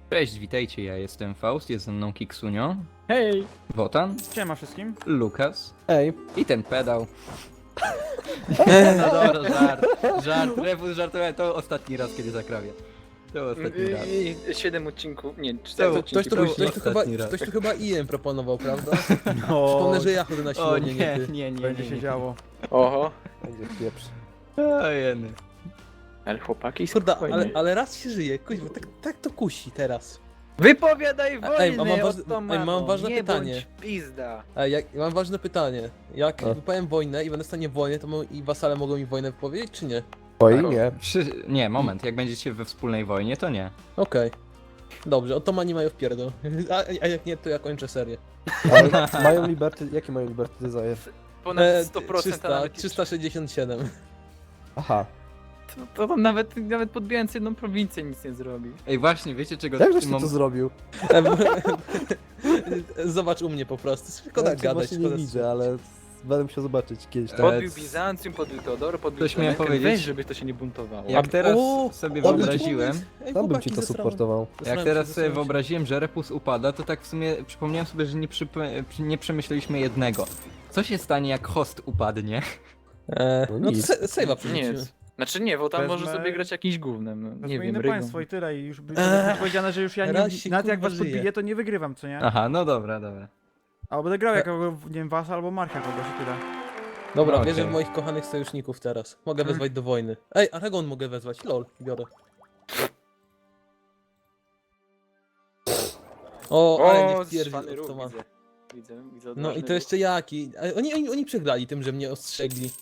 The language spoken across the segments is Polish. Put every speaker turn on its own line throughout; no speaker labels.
Cześć, witajcie, ja jestem Faust, jest ze mną Kiksunio,
Hej!
Wotan,
Siema wszystkim.
Lukas
Ej,
i ten pedał. No dobra, żart, Rebus żartowałem, to ostatni raz, kiedy zakrawię. To ostatni raz.
7 odcinków, nie, 4
To-
odcinki.
ktoś tu chyba Ian proponował, prawda?
No,
Przypomnę, że ja chodzę na
O
siłownię, nie ty.
nie,
będzie się działo.
Oho,
Będzie pieprz.
Ojeny.
ale chłopaki
Kurde,
spokojnie.
ale raz się żyje, kuźwa, tak to kusi teraz.
Wypowiadaj
Ej,
wojnę,
mam ważne
nie
pytanie.
bądź pizda.
A mam ważne pytanie. Jak
O.
wypowiem wojnę i będę w stanie wojny, to i wasale mogą mi wojnę wypowiedzieć, czy nie?
Oj, nie.
Nie, moment, jak będziecie we wspólnej wojnie, to nie.
Okej. Dobrze, otomani mają wpierdol. A jak nie, to ja kończę serię.
Ale mają liberty, jakie mają liberty desire?
Ponad 100%, a
300,
nawet
367.
Aha.
to tam nawet podbijając jedną prowincję nic nie zrobi.
Ej, właśnie, wiecie czego
Jak
w
żeś
tym
ty to
mom-
zrobił?
Zobacz u mnie po prostu. Szkoda
Ja cię
gadać,
właśnie nie
szkoda
widzę, ale będę musiał zobaczyć kiedyś. Tam.
Podbił Bizancjum, podbił Teodor, podbił
Coś miałem
Klemenkę,
powiedzieć?
weź, żeby to się nie buntowało.
Jak teraz
O,
sobie
dobry
wyobraziłem,
pomysł. Ej,
Tam bym
chłopaki,
ci to
zesrałem.
supportował.
jak
Zesrałem
teraz
się,
sobie
zesrałem się.
wyobraziłem, że Repus upada, to tak w sumie przypomniałem sobie, że nie przemyśleliśmy jednego. Co się stanie, jak host upadnie?
No
No to
nic.
save'a
Nie
przerzucimy.
jest. Znaczy nie, bo tam
Wezmę-
może sobie grać jakimś gównem, no,
To
nie
jest
wiem,
inne
rygą.
państwo i tyle i już będzie powiedziane, że już ja
Raz się,
nie, nawet jak
kurwa,
was
żyje.
podbiję, to nie wygrywam, co nie?
Aha, no dobra, dobra.
Albo będę grał jako, nie wiem, was albo Marcha kogoś i tyle.
Dobra,
No,
wierzę
okej.
w moich kochanych sojuszników teraz. Mogę wezwać do wojny. Ej, Aragon mogę wezwać. Lol, biorę. O, ale nie wpierdzi
zwany ruch,
Ottoman.
widzę
No
odważny
i to jeszcze jaki. Oni przegrali tym, że mnie ostrzegli.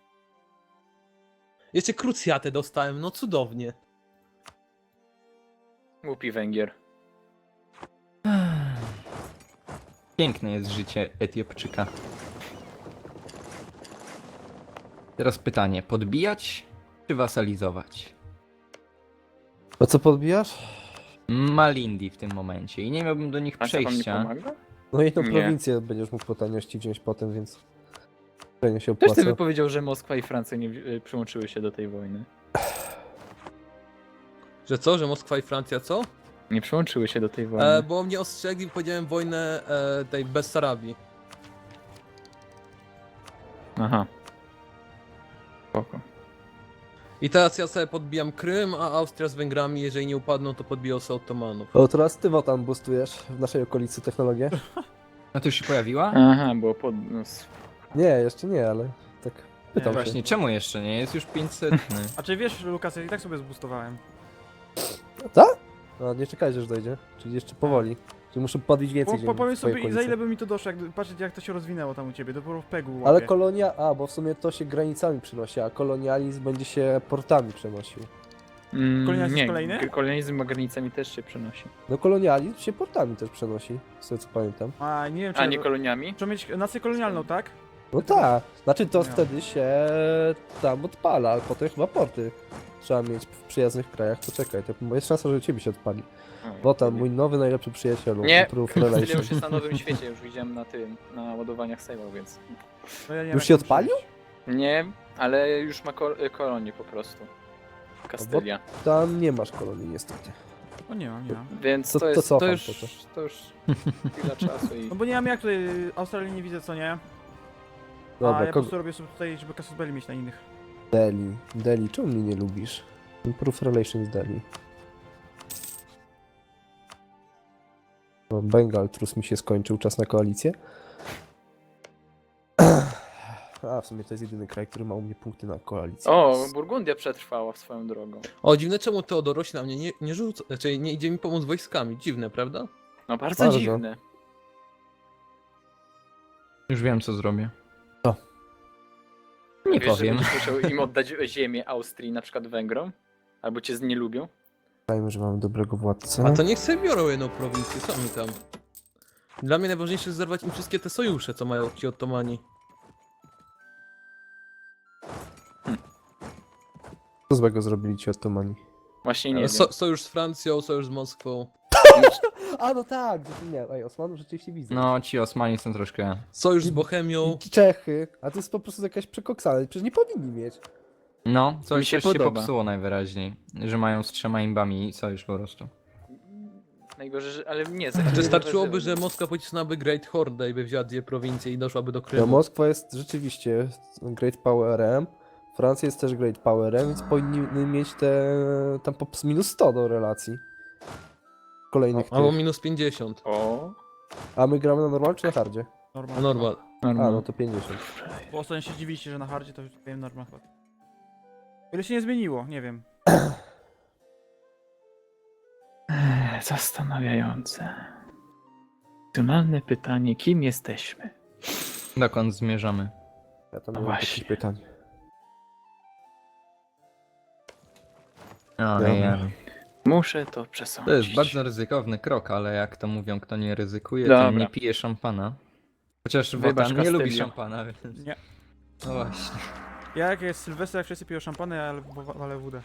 Jeszcze krucjatę dostałem, no cudownie.
ruch. Głupi Węgier.
Piękne jest życie Etiopczyka. Teraz pytanie, podbijać czy wasalizować?
A co podbijasz?
Malindi w tym momencie i nie miałbym do nich
A co wam nie
przejścia.
pomaga?
No jedną
Nie.
prowincję będziesz mógł po taniości wziąć potem, więc... Pewnie się
Ktoś ty
opłaca.
wypowiedział, że Moskwa i Francja nie przyłączyły się do tej wojny.
Że co, że Moskwa i Francja co?
Nie przyłączyły się do tej wojny.
Bo mnie ostrzegli, powiedziałem wojnę tej Bessarabii.
Aha. Spoko.
I teraz ja sobie podbijam Krym, a Austria z Węgrami, jeżeli nie upadną, to podbiją sobie Ottomanów.
O, teraz ty Wotan boostujesz w naszej okolicy technologię?
No to już się pojawiła?
Aha, było pod... No,
Nie, jeszcze nie, ale tak pytam się.
Właśnie, czemu jeszcze nie? Jest już 500.
A czy wiesz, Lukas, ja i tak sobie zboostowałem.
Tak? No nie czekajcie, aż dojdzie. Czyli jeszcze powoli. Czyli muszę podbić więcej ziemi
Powiem
w twojej
sobie, za
okolicy.
ile by mi to doszło, jak patrzeć jak to się rozwinęło tam u ciebie, dopiero w pegu łapie.
Ale kolonia... A, bo w sumie to się granicami przenosi, a kolonializm będzie się portami przenosił.
Kolonializm
nie,
kolejny?
kolonializm ma granicami też się przenosi.
No kolonializm się portami też przenosi, z tego co pamiętam.
A nie wiem, czy...
A nie koloniami?
Trzeba mieć nację kolonialną, tak?
No tak, znaczy to
No.
wtedy się tam odpala, ale potem chyba porty trzeba mieć w przyjaznych krajach. Poczekaj, to jest szansa, że u ciebie się odpali. Bo tam mój nowy najlepszy przyjacielu,
Nie,
Proof
Tyle
Relation.
już jest na nowym świecie, już widziałem na tym, na ładowaniach save'ów, więc...
No ja nie wiem,
Już
jak
się
to
odpalił?
przyjąć.
Nie, ale już ma kolonię po prostu. Kastylia.
Tam nie masz kolonii niestety.
O nie mam, nie mam.
Więc
To-
to
to
jest,
cofam
to już chwila czasu i...
No bo nie mam jak tutaj, Australii nie widzę, co nie? A
Dobra,
ja po
kogo...
prostu robię sobie tutaj, żeby Casus Belli mieć na innych.
Delhi. Delhi, czemu mnie nie lubisz? Proof Relations Delhi. No, Bengal Trus mi się skończył, czas na koalicję. A, w sumie to jest jedyny kraj, który ma u mnie punkty na koalicję.
O, Burgundia przetrwała swoją drogą.
O, dziwne czemu Teodoroś na mnie nie rzuca, znaczy nie idzie mi pomóc wojskami. Dziwne, prawda?
No bardzo
Bardzo.
dziwne.
Już wiem, co zrobię.
Co?
Nie
Wiesz, że
powiem.
będziesz musiał im oddać ziemię Austrii, na przykład Węgrom? Albo cię nie lubią?
Dajmy, że mamy dobrego władcę.
A to niech sobie biorą jedną prowincję, co mi tam? Dla mnie najważniejsze jest zerwać im wszystkie te sojusze, co mają ci Ottomani.
Co złego zrobili ci Ottomani?
Właśnie nie wiem.
Sojusz z Francją, sojusz z Moskwą.
A, no tak, nie, ej, Osmanów rzeczywiście widzę.
No, ci Osmani są troszkę...
Sojusz z Bohemią.
I Czechy, a to jest po prostu jakaś przekoksana, przecież nie powinni mieć.
No,
Mi się
coś się
podoba.
popsuło najwyraźniej. Że mają z 3 imbami sojusz po prostu.
Najgorzej, że... ale nie,
Wystarczyłoby, że Moskwa pocisnęłaby Great Horde i by wzięła 2 prowincje i doszłaby do
No,
Krymu.
Moskwa jest rzeczywiście Great Powerem, Francja jest też Great Powerem, więc powinni mieć te tam po minus 100 do relacji. Kolejnych
Albo
tych.
minus 50.
O,
A my gramy na normal czy na hardzie?
A
Normal.
normal.
A, no to 50.
Bo ostatnio się dziwiliście, że na hardzie to już wiem normal chyba. Ile się nie zmieniło, nie wiem.
Zastanawiające. Racjonalne pytanie, kim jesteśmy?
Dokąd zmierzamy?
Ja tam
No
nie mam
właśnie.
takich pytań.
O,
Dobra.
ja.
Muszę to
To
przesądzić.
jest bardzo ryzykowny krok, ale jak to mówią, kto nie ryzykuje,
Dobra.
to nie pije szampana. Chociaż
Wybacz,
Wotan nie lubi
Castillo.
szampana, więc...
Nie.
No właśnie.
Ja jak jest Sylwester, jak wszyscy piją szampany, ja walę wódę.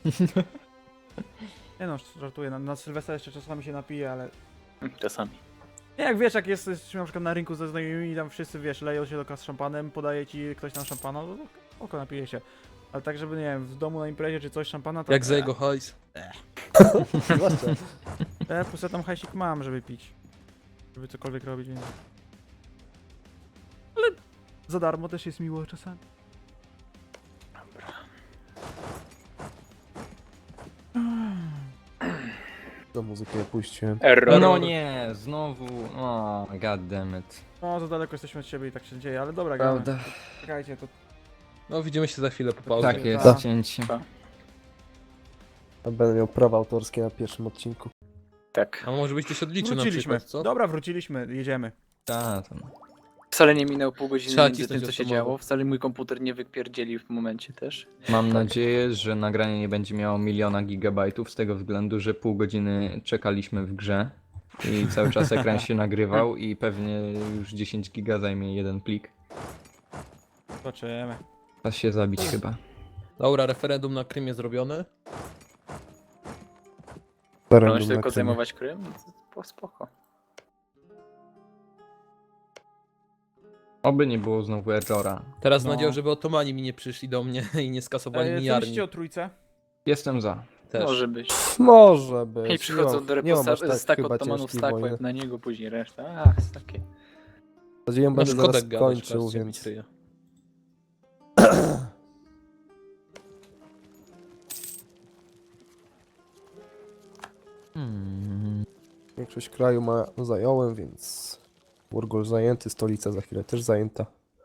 Nie no, żartuję, na Sylwestra jeszcze czasami się napiję, ale...
Czasami.
Nie, jak wiesz, jak jesteśmy na przykład na rynku ze znajomymi i tam wszyscy, wiesz, leją się do kas z szampanem, podaje ci ktoś tam szampana, no to oko napije się. Ale tak, żeby, nie wiem, w domu na imprezie czy coś szampana, to...
Jak za jego hajs.
Zwłaszcza.
Plus ja tam hajsik mam, żeby pić. Żeby cokolwiek robić, więc... Ale za darmo też jest miło czasami.
Do muzyki puściłem.
Error.
No nie, znowu... O, goddammit.
No, za daleko jesteśmy od siebie i tak się dzieje, ale dobra, gramy.
Prawda.
Czekajcie, to...
No widzimy się za chwilę po pauzie.
Tak jest,
Tak.
cięcie.
A będę miał prawa autorskie na pierwszym odcinku.
Tak.
A może byś coś odliczył na
Wróciliśmy.
przykład, co?
Dobra, wróciliśmy, jedziemy.
Ta, to...
Wcale nie minęło pół godziny
Trzeba
między tym,
cisnąć
co się
automatą.
działo. Wcale mój komputer nie wypierdzielił w momencie też.
Mam nadzieję, że nagranie nie będzie miało 1 000 000 gigabajtów z tego względu, że pół godziny czekaliśmy w grze i cały czas ekran się nagrywał i pewnie już 10 giga zajmie jeden plik.
Zobaczymy.
Czas się zabić chyba.
Dobra, referendum na Krymie zrobione.
Możesz tylko zajmować Krym? No to spoko.
Oby nie było znowu errora.
Teraz
No.
nadzieję, żeby Otomani mi nie przyszli do mnie i nie skasowali mi
Co
armii.
myślicie o trójce?
Jestem za.
Też.
Może być.
Może być.
I przychodzą do
nie mam aż
reposta- stack
chyba
Ottomanów,
ciężkiej
stack
wojny.
łeb na niego, później reszta. Ach, takie.
Nadzieję,
No
będę
szkoda
zaraz
gadać,
kończył,
patrzcie, mi
więc...
kryje.
Większość kraju zająłem, więc... Urgol zajęty, stolica za chwilę też zajęta.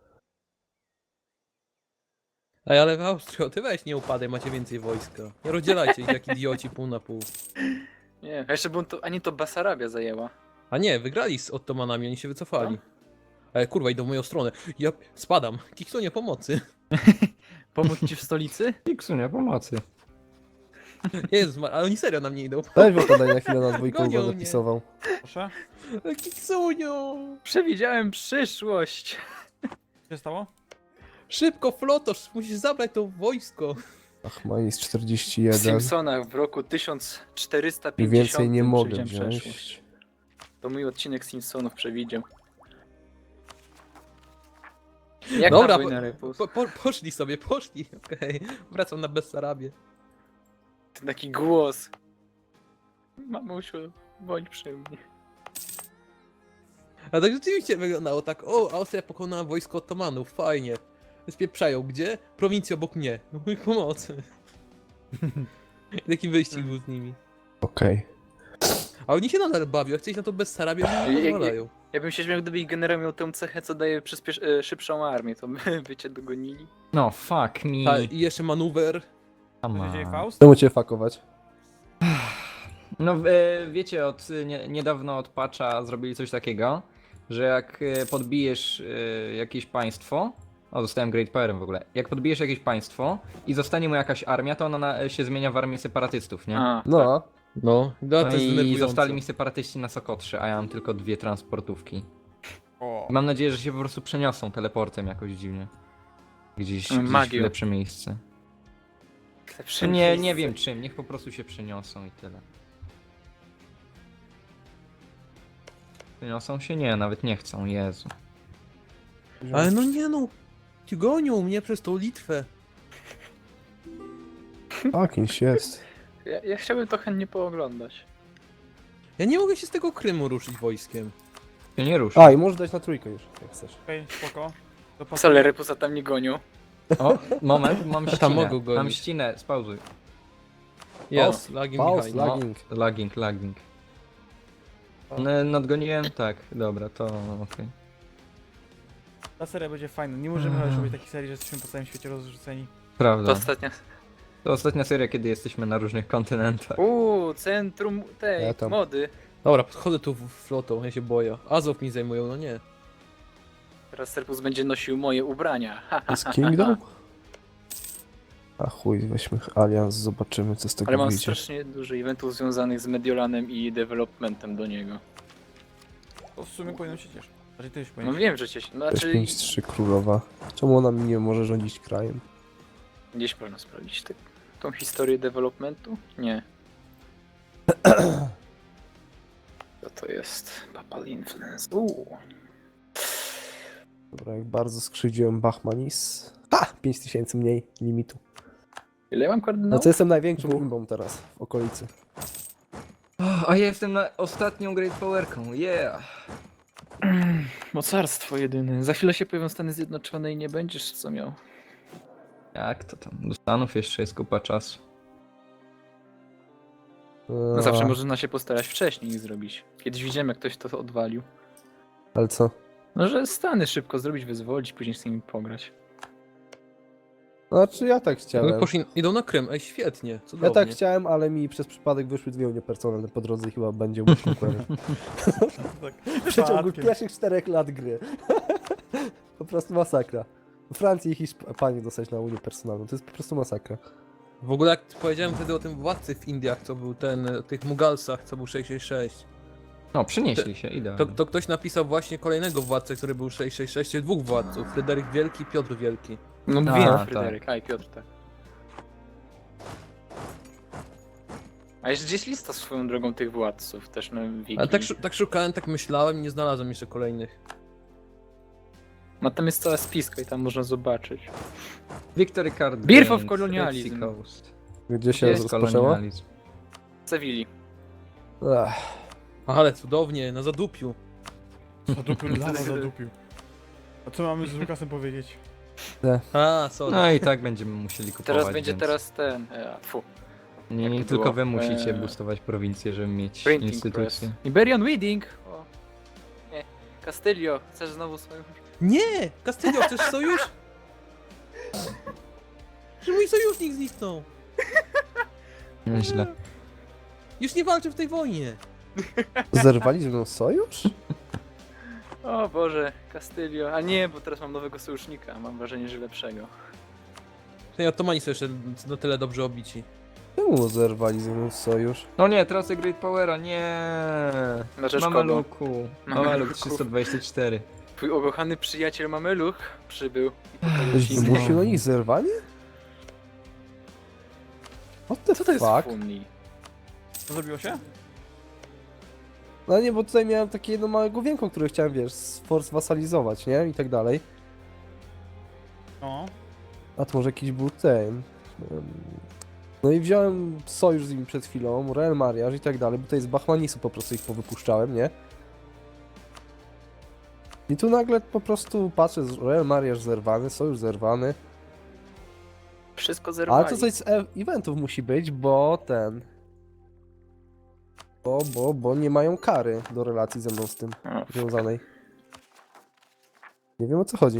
Ej, ale w Austrii, ty weź nie upadaj, macie więcej wojska. Nie rozdzielajcie ich jak idioci pół na pół.
Nie, a jeszcze bym to, ani to Basarabia zajęła.
A nie, wygrali z Ottomanami, oni się wycofali. Ej, kurwa, idą w moją stronę. Ja spadam. Kiksunie pomocy.
Pomóc ci w stolicy?
Iksunia, pomocy.
Jezus, ale oni serio na mnie idą.
Weź bo podaj na chwilę na dwójkę
Gonią
go
mnie.
zapisował.
Proszę.
Kiksunio!
Przewidziałem przyszłość.
Co się stało?
Szybko, flotosz, musisz zabrać to wojsko.
Ach, ma jest
W
41.
Simpsonach w roku 1450
I więcej nie mogę
przewidziałem
wziąć.
przeszłość. To mój odcinek Simpsonów przewidział. Jak
Dobra,
na wojnę Repus?
Poszli sobie, poszli. Okej, wracam na Bessarabię.
Taki głos. Mamusiu, bądź przy mnie.
A tak rzeczywiście wyglądało tak, o, Austria pokonała wojsko Ottomanów, fajnie. Spieprzają, gdzie? Prowincja obok mnie. Mój pomocy. I taki wyścig był z nimi.
Okej.
A oni się nadal bawią, jak chcieli na to Bessarabię, oni nie pozwalają.
Ja bym się śmiał, gdyby ich generał miał tę cechę, co daje szybszą armię, to by cię dogonili.
No, fuck me.
A, i jeszcze manewr.
Come
Co się dzieje,
on.
Faust?
Czemu cię fakować?
No wiecie, niedawno od patcha zrobili coś takiego, że jak podbijesz jakieś państwo, o zostałem Great Powerem w ogóle, jak podbijesz jakieś państwo i zostanie mu jakaś armia, to ona się zmienia w armię separatystów, nie?
A,
No,
No, to
No
jest
i
denerwujące.
zostali mi separatyści na Sokotrze, a ja mam tylko 2 transportówki.
O.
Mam nadzieję, że się po prostu przeniosą teleportem jakoś dziwnie. Gdzieś
Magią.
w lepsze miejsce.
lepsze
Nie
miejsce.
wiem czym, niech po prostu się przeniosą i tyle. Przeniosą się? Nie, nawet nie chcą, Jezu.
Ale no nie no, ci gonią mnie przez tą Litwę.
tak, kimś jest.
Ja chciałbym to chętnie pooglądać.
Ja nie mogę się z tego Krymu ruszyć wojskiem.
Się nie rusz.
A, i możesz dać na trójkę już, jak chcesz.
Okej, spoko. To pas-
Wcale Repusa tam nie gonią.
O, moment, mam
tam
ścinę.
mogą gonić.
Mam ścinę, spauzuj.
Jest, lagi
Pause,
Michał.
lagging.
Lagging. Nadgoniłem? Tak, dobra, to okej.
Ta seria będzie fajna. Nie możemy już robić takich serii, że jesteśmy po całym świecie rozrzuceni.
Prawda.
To ostatnia.
To ostatnia seria, kiedy jesteśmy na różnych kontynentach.
Centrum tej
Ja tam.
mody.
Dobra, podchodzę tu flotą, ja się boję. Azov mi zajmują, no nie.
Teraz Repus będzie nosił moje ubrania. Ha,
To jest Kingdom? A chuj, weźmy Allianz, zobaczymy co z tego
Ale mam
wyjdzie.
strasznie dużo eventów związanych z Mediolanem i developmentem do niego.
To w sumie powinno się cieszyć. Znaczy ty się
No
powinien.
wiem, że cię...
Też
Znaczy,
5-3 królowa. Czemu ona mi nie może rządzić krajem?
gdzieś powinno sprawdzić tą historię developmentu? Nie. Co to jest? Papal Influence.
Dobra, jak bardzo skrzywdziłem Bachmanis. Ha! 5000 mniej limitu.
Ile ja mam
No
kardynałów?
co jestem największą imbą teraz w okolicy.
A ja jestem na ostatnią Great Powerką, yeah!
Mocarstwo jedyne. Za chwilę się pojawią Stany Zjednoczone i nie będziesz co miał.
Jak to tam? Do Stanów jeszcze jest kupa czasu.
No zawsze można się postarać wcześniej ich zrobić. Kiedyś widziałem, jak ktoś to odwalił.
Ale co?
No, że Stany szybko zrobić, wyzwolić, później z nimi pograć.
Znaczy ja tak
No,
chciałem.
idą na Krym, ej świetnie,
Ja
cudownie.
tak chciałem, ale mi przez przypadek wyszły dwie unie personalne po drodze i chyba będzie mój konkurent.
Tak.
W przeciągu
Przypadkiem.
pierwszych 4 lat gry. Po prostu masakra. W Francji i Hiszpanii dostać na unię personalną, to jest po prostu masakra.
W ogóle jak powiedziałem wtedy o tym władcy w Indiach, co był ten, o tych Mugalsach, co był 666,
No, przynieśli się, idealnie.
to ktoś napisał właśnie kolejnego władcę, który był 666, czyli dwóch władców, Fryderyk Wielki i Piotr Wielki.
No
A,
wiem,
tak.
Fryderyk. A i Piotr, tak. A jeszcze gdzieś lista swoją drogą tych władców, też na wiki.
Ale tak szukałem, tak myślałem i nie znalazłem jeszcze kolejnych.
No tam jest cała spiska i tam można zobaczyć.
Victory Card
Birth of
Games,
Colonialism.
Red Sea Coast.
Gdzie się
Jest
rozpoczęło?
kolonializm.
Sewilli.
Ech,
Ale cudownie, na zadupiu.
Zadupił, lama zadupił. A co mamy z Lukasem powiedzieć?
A, sorry.
No i tak będziemy musieli kupować.
Teraz będzie
więc
teraz ten...
Nie,
jak to
tylko
było?
wy musicie boostować prowincję, żeby mieć
Printing
instytucję.
Press. Iberian Weeding! O. Nie. Castillo, chcesz znowu swoją...
Nie! Castillo, chcesz sojusz? Że mój sojusznik zniknął!
Nieźle.
Już nie walczy w tej wojnie!
Zerwali ze mną sojusz?
O Boże, Castillo. A nie, bo teraz mam nowego sojusznika. Mam wrażenie, że lepszego.
Tej Ottomani są jeszcze na tyle dobrze obici.
Czemu zerwali ze mną sojusz?
No nie, tracę Great Powera, nie.
Na rzecz kogo?
Mameluku. Mameluk
Mameluków.
324.
Twój ukochany przyjaciel Mameluch przybył. I pokazał
Ktoś
ci
zmusił na nich zerwanie? What the
Co to jest
fuck?
Funni?
Co zrobiło się?
No nie, bo tutaj miałem takie jedno małe główienko, które chciałem, wiesz, wasalizować, nie? I tak dalej.
No.
A to może jakiś był ten... No i wziąłem sojusz z nimi przed chwilą, Royal Mariage i tak dalej, bo tutaj z Bachmanisu po prostu ich powypuszczałem, nie? I tu nagle po prostu patrzę, Royal Mariage zerwany, sojusz zerwany.
Wszystko zerwali.
Ale to coś z eventów musi być, bo ten... Bo nie mają kary do relacji ze mną z tym
O,
związanej. Nie wiem o co chodzi.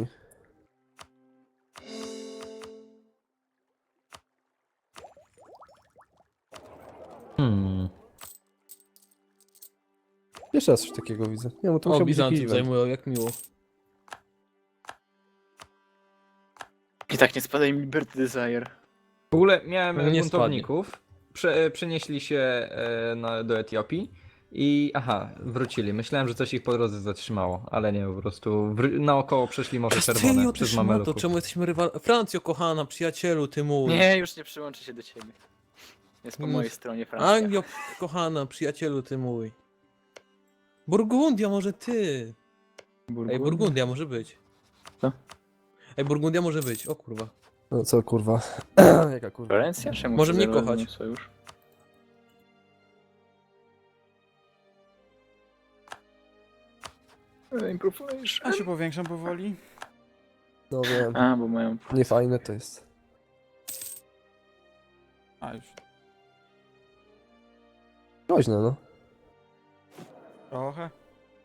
Jeszcze raz coś takiego widzę. Nie, bo to
O,
musiał być jakiś
Bizancjum
event.
zajmują, jak miło.
I tak nie spadaj mi Liberty Desire.
W ogóle miałem
Nie
buntowników. Przenieśli się do Etiopii. I aha, wrócili. Myślałem, że coś ich po drodze zatrzymało, ale nie, po prostu naokoło przeszli Morze Czerwone
Castillo,
przez
ty szmato,
Mameluków.
czemu jesteśmy rywal... Francjo, kochana, przyjacielu, ty mój.
Nie, już nie przyłączę się do ciebie. Jest po
Mm.
mojej stronie Francja.
Anglio, kochana, przyjacielu, ty mój. Burgundia, może ty. Ej, Burgundia może być.
Co?
Ej, Burgundia może być, o kurwa.
No co kurwa. Jaka kurwa.
Florencja? Czemu
Może
się
mnie
zerwali
kochać.
mój sojusz? Improvement.
Ja się powiększam powoli.
No wiem,
A, bo mają...
niefajne to jest.
A już
Groźne, no.
trochę.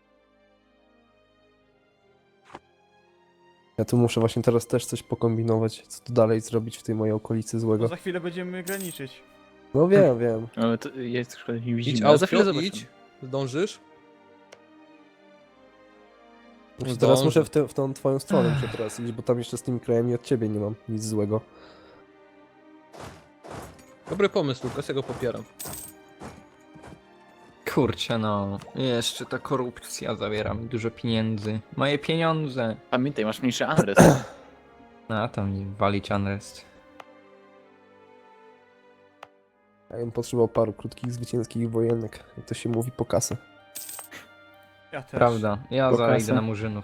Ja tu muszę właśnie teraz też coś pokombinować, co tu dalej zrobić w tej mojej okolicy
No
złego.
za chwilę będziemy graniczyć.
No wiem, wiem.
Ale to jest szkoda, nie
Idź,
widzimy. Ale za chwilę
Austrzo,
zobaczymy.
idź. Zdążysz?
Właśnie
Zdążę.
teraz muszę w tą twoją stronę muszę teraz iść, bo tam jeszcze z tymi krajami od ciebie nie mam nic złego.
Dobry pomysł, Lukas, ja go popieram.
Kurczę no, jeszcze ta korupcja zabiera mi dużo pieniędzy. Moje pieniądze!
Pamiętaj, masz mniejszy adres.
A tam mi walić unrest.
Ja bym potrzebował paru krótkich, zwycięskich wojenek, jak to się mówi, po kasę.
Ja też.
Prawda, ja
Po
zaraz
kasę.
idę na murzynów.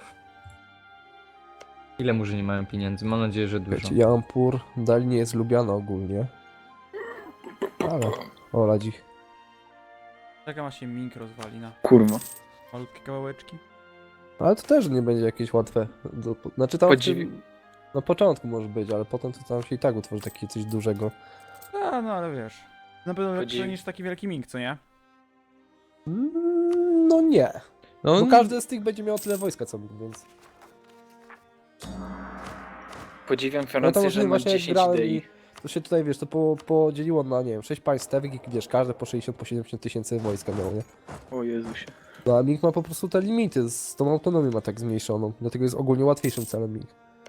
Ile murzyni mają pieniędzy? Mam nadzieję, że dużo.
Wiecie, Jampur dalej nie jest lubiana ogólnie. Ale, ola dzik.
Czekam aż się Mink rozwali na
Kurwa.
malutkie kawałeczki.
Ale to też nie będzie jakieś łatwe. Znaczy tam w
Podziwi-
tym, na początku może być, ale potem to tam się i tak utworzy takie coś dużego.
A, no ale wiesz. Na pewno lepsze
Podziwi-
niż taki wielki Mink, co nie?
No nie.
No,
Bo każdy z tych będzie miał tyle wojska co mi, więc...
Podziwiam
No to
Fiorentę,
może
że ma
właśnie jak
10
grałem
idei.
i to się tutaj, wiesz, to podzieliło na, nie wiem, 6 państw stewek i wiesz, każde po 60, po 70 tysięcy wojska miało, nie?
O Jezusie.
No a Ming ma po prostu te limity, z tą autonomią ma tak zmniejszoną, dlatego jest ogólnie łatwiejszym celem Ming.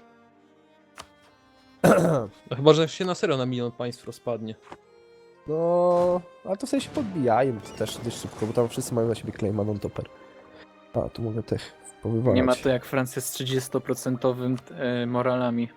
no chyba, że się na serio na 1 milion państw rozpadnie.
No, ale to w sensie podbijają to też dość szybko, bo tam wszyscy mają na siebie claima non-topper. A, tu mogę tych powywalać.
Nie ma to jak Francja z 30% moralami.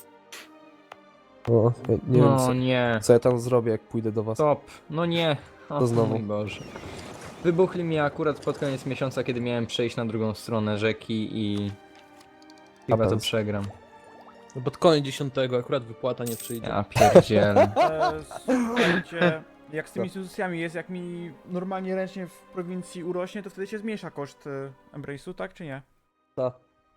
O, ja nie wiem,
No nie.
co ja tam zrobię, jak pójdę do was.
Stop. No nie. O,
To znowu.
Mój Boże. Wybuchli mi akurat pod koniec miesiąca, kiedy miałem przejść na drugą stronę rzeki i... Chyba to
Happens.
przegram.
No pod koniec 10 akurat wypłata nie przyjdzie.
Ja pierdzielę.
Słuchajcie, jak z tymi instytucjami jest, jak mi normalnie ręcznie w prowincji urośnie, to wtedy się zmniejsza koszt Embrace'u, tak czy nie?
Ta.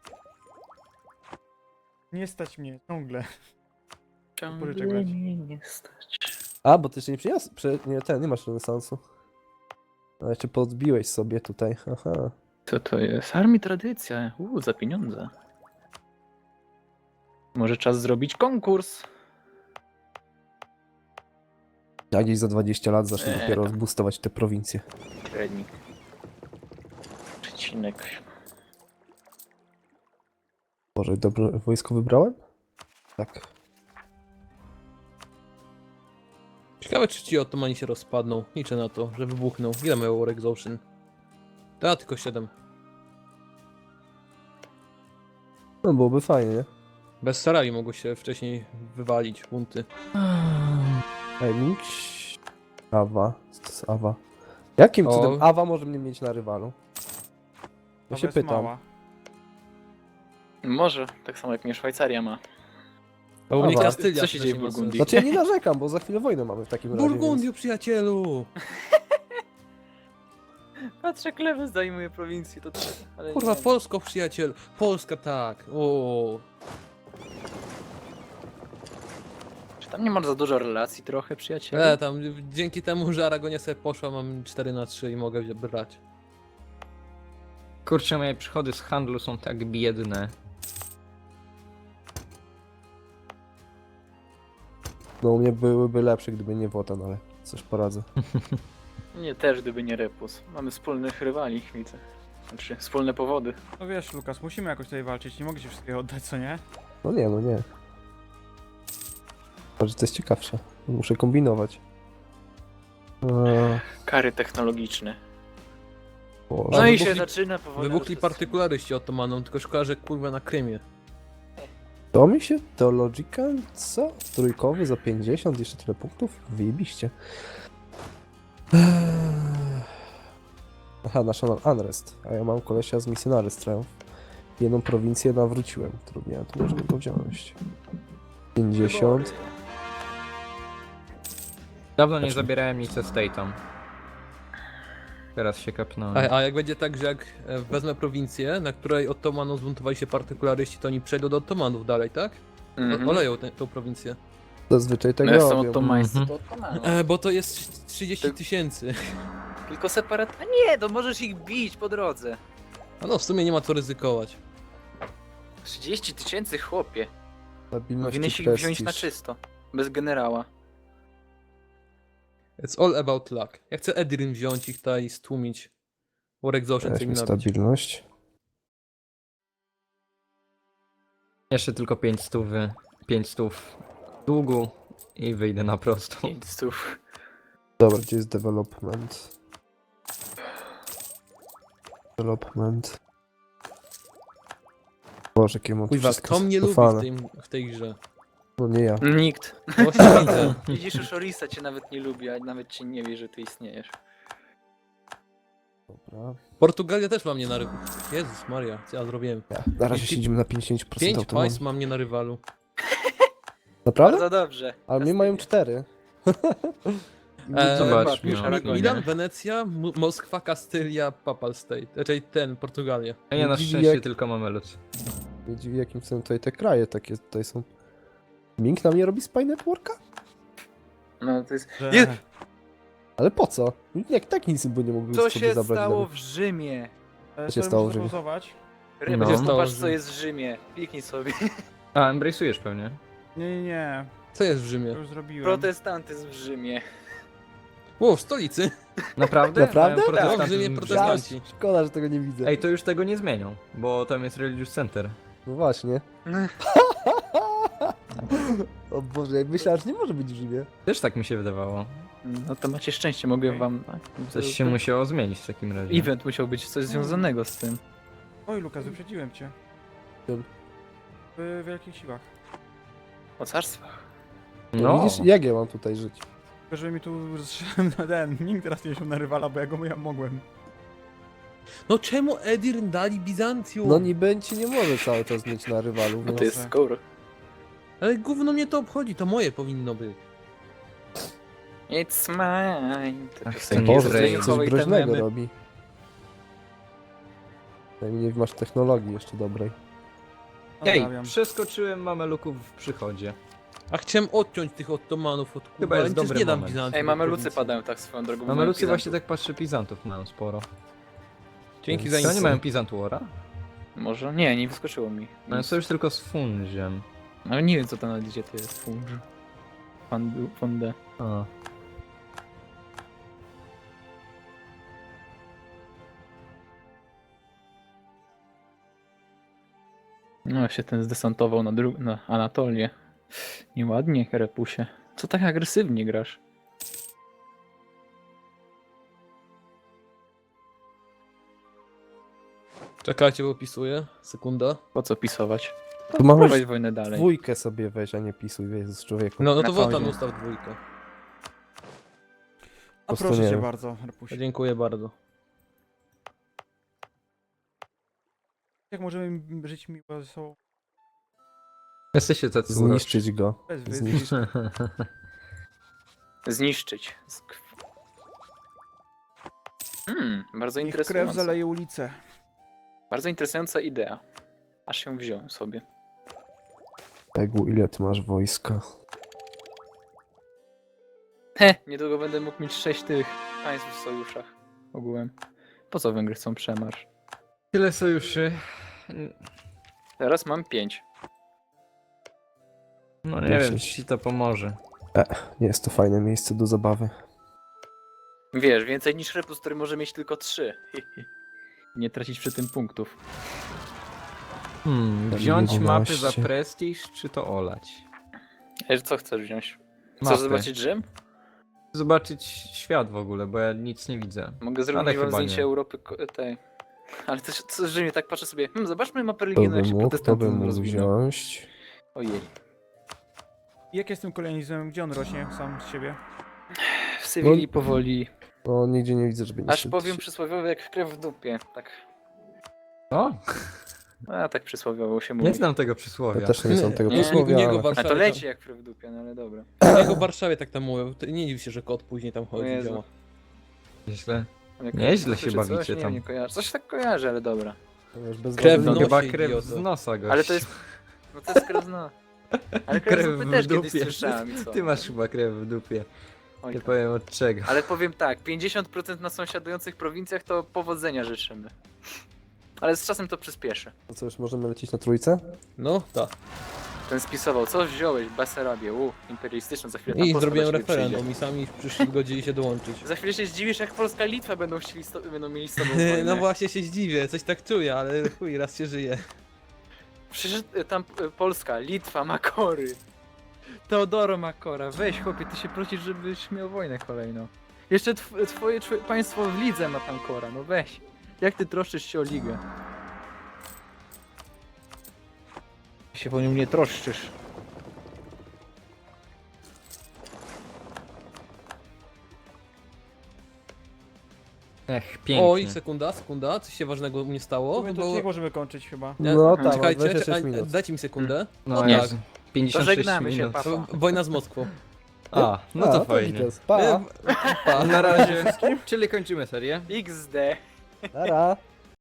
Nie stać mnie, ciągle.
Ciągle
grać.
mnie nie stać.
A, bo ty jeszcze nie przyjazd... nie masz renesansu. A jeszcze podbiłeś sobie tutaj, aha.
Co to jest? Armii tradycja. Za pieniądze. Może czas zrobić konkurs?
Ja gdzieś za 20 lat zacznę dopiero
tam.
boostować te prowincje.
Średnik. Przecinek.
Boże, dobre wojsko wybrałem? Tak.
Ciekawe, czy ci Ottomani się rozpadną. Liczę na to, że wybuchną. Ile mają War Exhaustion? Da, tylko 7.
No byłoby fajnie, nie?
Bez Sarai mogło się wcześniej wywalić bunty.
Ej, Mix... Awa. Co to jest Awa? Jakim
O.
cudem Awa może mnie mieć na rywalu? Ja
To
się
jest
pytam.
mała.
Może, tak samo jak mnie Szwajcaria ma.
A u mnie
Dobra.
Kastylia
Co się dzieje w
wcześniej ma
Burgundii?
Znaczy ja nie narzekam, bo za chwilę wojnę mamy w takim
sens.
razie.
Burgundio, przyjacielu!
Patrzę, Klewes zajmuje prowincję, to ale
Kurwa,
nie.
Polsko, przyjacielu! Polska, tak! O.
Czy tam nie masz za dużo relacji trochę, przyjaciele?
Tam dzięki temu, że Aragonia sobie poszła, mam 4/3 i mogę brać.
Kurczę, moje przychody z handlu są tak biedne.
No u mnie byłyby lepsze, gdyby nie Wotan, ale coś poradzę.
Nie, też gdyby nie Repus. Mamy wspólnych rywali, widzę. Znaczy, wspólne powody.
No wiesz, Lukas, musimy jakoś tutaj walczyć, nie mogę ci wszystkiego oddać, co nie?
No nie, no nie. Może to jest ciekawsze. Muszę kombinować.
Kary technologiczne.
Boże.
No i
wybuchli-
się zaczyna powoli.
Wybuchli partykularyści Ottomanom, tylko szkoda, że kurwa na Krymie.
To mi się Theological, co? Trójkowy za 50, jeszcze tyle punktów? Wyjebiście. Aha, National Unrest, a ja mam kolesia z Missionaries Triumph. Jedną prowincję nawróciłem, którą miałem, to możemy go wziąć. 50.
Dawno nie
Znaczy-
zabierałem nic ze State'om. teraz się kapnąłem.
A jak będzie tak, że jak wezmę prowincję, na której Ottomanów zbuntowali się partykularyści, to oni przejdą do Ottomanów dalej, tak? Oleją tą prowincję.
Zazwyczaj tak
No są
robią.
otomańscy,
Mhm.
to otomani.
Bo to jest 30 000.
Tylko separat... A nie, to możesz ich bić po drodze.
A no, w sumie nie ma co ryzykować.
30 000, chłopie.
Stabilność
Powinieneś
i
ich wziąć na
prestiż.
czysto. Bez generała.
It's all about luck. Ja chcę Edirn wziąć ich tutaj i stłumić. War Exhaustion co mi
Weźmy
nabić.
stabilność.
Jeszcze tylko 500 długu i wyjdę na prostą.
500.
Dobra, gdzie jest development? Development. Boże, jakie mam tu
Kuźwa,
wszystko
kto mnie lubi
skopane.
w tej grze?
No nie ja.
Nikt.
No właśnie widzę.
Widzisz, już Orisa cię nawet nie lubi, a nawet cię nie wie, że ty istniejesz.
Dobra.
Portugalia też ma mnie na rywalu. Jezus Maria, co ja zrobiłem?
Na razie siedzimy na 50%
5
autonomii.
państw ma mnie na rywalu.
Naprawdę?
Bardzo dobrze.
Ale mnie mają 4.
Zobacz,
Pisz
no.
Aragonie.
Milan, Wenecja, Moskwa, Kastylia, Papal State. Raczej Portugalia.
A ja na
Dziwi,
szczęście
jak-
tylko mamy lud.
Mnie dziwi, jakim cudem tutaj te kraje takie tutaj są. Ming na mnie robi Spy Networka?
No to jest...
Że...
Je-
Ale po co? Jak tak nic by nie mógłby
Co
sobie
się
zabrać
stało
dla
w Rzymie?
się
Sorry,
stało,
muszę
że-
zapauzować.
Ryba,
No.
popatrz co jest w Rzymie. Kliknij sobie.
A, embrace'ujesz pewnie.
Nie.
Co jest w
To
Rzymie?
już zrobiłem.
Protestantyzm w Rzymie.
O, w stolicy.
Naprawdę?
Naprawdę?
Mają
Tak, w
protestantyzm
Rzymie
w
protestanci.
Szkoda, że tego nie widzę.
Ej, to już tego nie zmienią, bo tam jest Religious Center.
No właśnie. O Boże, jak myślałem, że nie może być w Rzymie.
Też tak mi się wydawało.
No to macie szczęście, mogę
Okej.
wam...
Coś się musiało zmienić w takim razie.
Event musiał być coś związanego z tym.
Oj, Lukas, wyprzedziłem cię.
Czym?
W wielkich siłach.
O carstwach.
No,
Widzisz, jak ja mam tutaj żyć?
Tylko, że mi tu zszedłem na ten. Nikt teraz nie się na rywala, bo ja go mogłem.
No czemu Edirn dali Bizancjum?
No niby ci nie może cały czas mieć na rywalu.
No
No.
to jest score.
Ale gówno mnie to obchodzi, to moje powinno być.
It's mine. Te
Ach,
piosenki
ten
Boże,
z
Izrael.
coś
Zdeniochowej, te
groźnego
memy.
robi. Przynajmniej nie masz technologii jeszcze dobrej.
Ej,
Pozdrawiam.
przeskoczyłem mameluków w przychodzie.
A chciałem odciąć tych Ottomanów od Kuby,
Chyba
ale
jest
przecież
dobry
nie dam
moment.
Bizancjum.
Ej,
do
mamy lucy
prowincji.
padają tak swoją drogą.
Mamelucy
mają
właśnie
Pizantów.
tak patrzę, Pizantów mają sporo.
Dzięki
To
za
Czy oni
info.
mają Pizant Wara?
Może? Nie, nie wyskoczyło mi.
Mają sojusz tylko z Funziem.
Ale nie wiem co tam na liście to jest. Funż. Funde.
A.
No się ten zdesantował na Anatolię. Nieładnie, Herepusie. Co tak agresywnie grasz?
Czekajcie, bo opisuję. Sekunda.
Po co pisować?
Tu mamy
Prowadź wojnę dalej.
dwójkę sobie weź, a nie pisuj, wiesz, z człowieku.
No to
Na
wotan
pauzie.
ustaw dwójkę.
A
prostu
proszę
nie
cię
wiem.
bardzo, Repusie.
Dziękuję bardzo.
Jak możemy żyć miło ze sobą?
Jesteście tacy
Zniszczyć go.
Bez
Zniszczyć.
Zniszczyć. Bardzo
Niech krew
interesująca.
zaleje ulicę.
Bardzo interesująca idea. Aż ją wziąłem sobie.
Egu, ile ty masz wojska?
Niedługo będę mógł mieć 6 tych państw w sojuszach. Ogółem. Po co Węgry chcą przemarsz?
Tyle sojuszy.
Teraz mam 5.
No nie wiem,
10.
czy ci to pomoże.
Nie jest to fajne miejsce do zabawy.
Wiesz, więcej niż Repus, który może mieć tylko 3. Nie tracić przy tym punktów.
Wziąć
11.
mapy za prestiż, czy to olać?
Co chcesz wziąć?
Mapy.
Chcesz zobaczyć Rzym?
Zobaczyć świat w ogóle, bo ja nic nie widzę.
Mogę zrobić
Ale
wam
chyba
zdjęcie
nie.
Europy tej. Ale też co, Rzymie, tak patrzę sobie. Zobaczmy mapę
To
religijną, jak
by
się
mógł, to by
protestantyzm
mógł
rozwinął.
wziąć.
Ojej.
Jak jest z tym kolonizmem? Gdzie on rośnie sam z siebie?
W Sewilli powoli.
No, nigdzie nie widzę, żeby nie
Aż
szedł.
powiem przysłowiowy jak krew w dupie. Tak.
O,
A tak przysłowiowo się mówi.
nie znam tego
Ja
przysłowia.
też nie są tego
Nie,
przysłowia,
u niego
ale...
A
Warszawie
to leci jak krew w dupie, no ale dobra.
Tam, u niego w Warszawie tak tam mówią. To nie dziw się, że kot później tam
O
chodzi.
Jezu.
Działa.
Źle. Nieźle się
Coś,
bawicie
nie,
tam.
Nie kojarzę. Coś tak kojarzę, ale dobra.
To wiesz, bez
Krew
wody
No
w
nie-
chyba
nosie,
krew
idioto.
z nosa, gość.
Ale to jest... No to jest krew no. Ale krew
Krew
z dupy
w
też kiedyś
dupie.
słyszałem i co?
Ty masz chyba krew w dupie.
Oj,
Nie
tam.
powiem od czego.
Ale powiem tak, 50% na sąsiadujących prowincjach to powodzenia życzymy. Ale z czasem to przyspieszy.
To co, już możemy lecieć na trójce?
No, tak.
Ten spisował, co wziąłeś? Besarabię, imperialistyczną, za chwilę tam
I
Polska
zrobiłem
do ciebie przyjdzie.
referendum i sami w przyszłym godzili się dołączyć.
Za chwilę się zdziwisz, jak Polska i Litwa będą mieli z tobą wojnę.
No właśnie się zdziwię, coś tak czuję, ale chuj, raz się żyje.
Przecież tam Polska, Litwa, Makory. Teodoro Makora, weź chłopie, ty się prosisz, żebyś miał wojnę kolejną. Jeszcze twoje państwo w lidze ma tam kora, no weź. Jak ty troszczysz się o ligę? Się po nią nie troszczysz.
Ech, pięknie.
Oj, sekunda, coś się ważnego u mnie stało.
To
Bo...
nie możemy kończyć chyba.
No tak,
Czekajcie,
26 minut.
dajcie mi sekundę.
No
tak.
Jezu, 56
żegnamy się,
minut.
papa.
Wojna z Moskwą.
A, no to fajnie.
gites. Pa,
Pa.
Na razie, czyli kończymy serię.
XD.
nara.